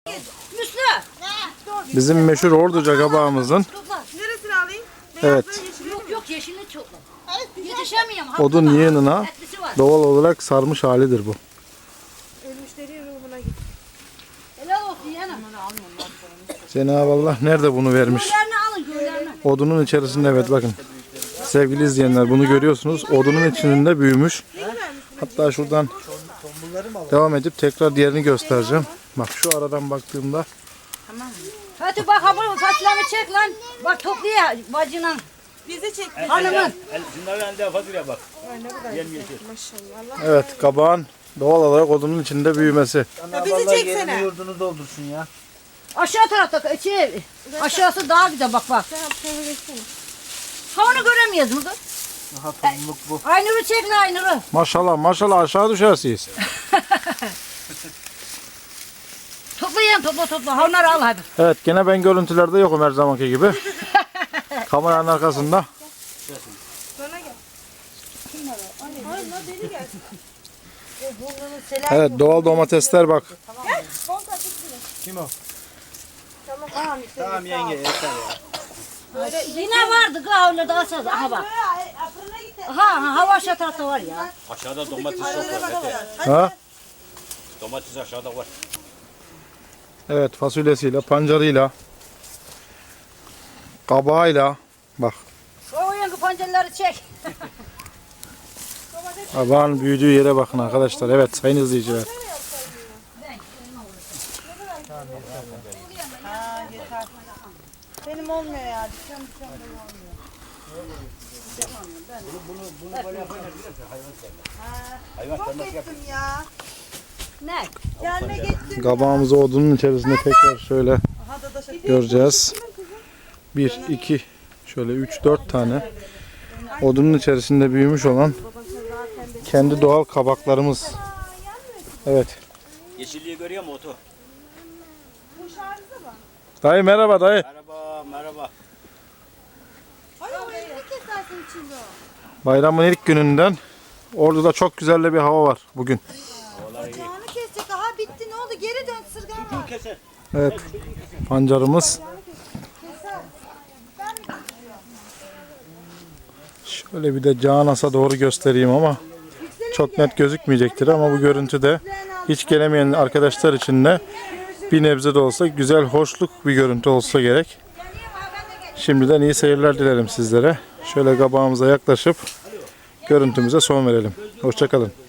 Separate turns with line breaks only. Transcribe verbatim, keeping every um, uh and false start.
Bizim meşhur Orduca kabağımızın.
Neresini alayım?
Evet.
Yok yok yeşilini çok. Yetişemiyorum.
Odun yığınına doğal olarak sarmış halidir bu.
Ölmüşlerin ruhuna git.
Helal olsun yana.
Cenab-ı Allah nerede bunu vermiş?
Göllerini alın göllerini.
Odunun içerisinde, evet bakın. Sevgili izleyenler, bunu görüyorsunuz. Odunun içinde büyümüş. Hatta şuradan devam edip tekrar diğerini göstereceğim. Bak şu aradan baktığımda.
Hadi bak ha bunu fasulyemi çek lan. Bak topluyor bacının.
Bizi çek.
Hanımın.
Şunların elinde fasulye bak.
Ay ne kadar
Yemyeşil.
maşallah.
Evet, kabağın doğal olarak odunun içinde büyümesi.
Ya bizi çeksene.
Yurdunu doldursun ya.
Aşağı tarafta şey, aşağısı daha güzel bak bak. Ha onu göremiyoruz mu?
Aha topluluk bu.
Aynur'u çek lan Aynur'u.
Maşallah maşallah aşağı düşersiniz.
Toplayın topla topla. Ha onları al hadi.
Evet, gene ben görüntülerde yokum her zamanki gibi. Kameranın arkasında.
Bana gel. Ay la deli gelsin.
Evet, doğal domatesler bak.
Kim o?
Tamam işte.
Tamam yenge yeter ya.
Yine vardı gavurda da asaz. Aha bak. Aha ha hava aşağı tarafta var ya.
Aşağıda domates çok var. Mete.
Ha?
Domates aşağıda var.
Evet, fasulyesiyle, pancarıyla, kabağıyla. Bak,
O yankı pancarları çek.
kabağın büyüdüğü yere bakın arkadaşlar. Evet, sayın izleyiciler.
Benim olmuyor ya. Dükkan dükkan benim olmuyor.
Hayvan
Çok
sevmez
gittim ya.
Ne?
Gelme gittim.
Kabağımızı odunun içerisinde tekrar şöyle
Aha da da şaka.
göreceğiz. Bir, iki, şöyle üç, dört tane odunun içerisinde büyümüş olan kendi doğal kabaklarımız. Evet.
Yeşilliği görüyor musun otu?
Dayı merhaba dayı.
Merhaba merhaba.
Ay o elini kesersin içinde.
Bayramın ilk gününden Ordu'da çok güzel de bir hava var bugün.
Bacağını kesecek. Aha bitti ne oldu? Geri dön sırgan var.
Keser.
Evet, pancarımız. Şöyle bir de Canas'a doğru göstereyim ama çok net gözükmeyecektir ama bu görüntüde hiç gelemeyen arkadaşlar için de bir nebze de olsa güzel, hoşluk bir görüntü olsa gerek. Şimdiden iyi seyirler dilerim sizlere. Şöyle kabağımıza yaklaşıp görüntümüze son verelim. Hoşça kalın.